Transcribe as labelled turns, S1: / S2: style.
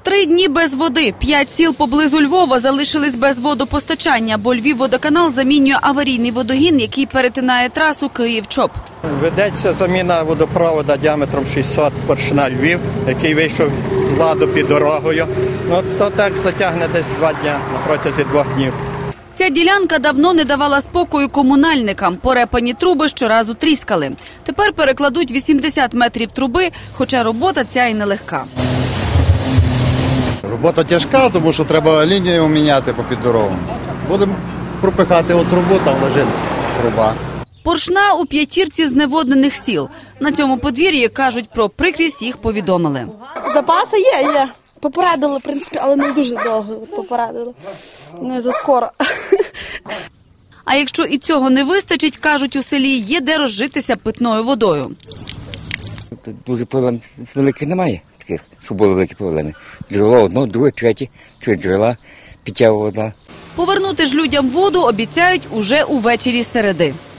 S1: 3 дні без води. 5 сіл поблизу Львова залишились без водопостачання, бо Львівводоканал замінює аварійний водогін, який перетинає трасу Київ-Чоп.
S2: Ведеться заміна водопроводу діаметром 600 Поршня Львів, який вийшов з ладу під дорогою. То так затягне десь 2 дні, на протязі 2 днів.
S1: Ця ділянка давно не давала спокою комунальникам. Порепані труби щоразу тріскали. Тепер перекладуть 80 метрів труби, хоча робота ця і нелегка.
S3: Робота тяжка, тому що треба лінію міняти попід дорогу. Будемо пропихати трубу, там лежить труба.
S1: Поршня у 5 зневоднених сіл. На цьому подвір'ї, кажуть, про прикрість їх повідомили.
S4: Запаси є. Попередили, в принципі, але не дуже довго попередили. Не заскоро.
S1: А якщо і цього не вистачить, кажуть, у селі є де розжитися питною водою.
S5: Дуже проблем великих немає таких, щоб були великі проблеми. Джерело одно, друге, третє, 3 джерела, питтєва вода.
S1: Повернути ж людям воду обіцяють уже увечері середи.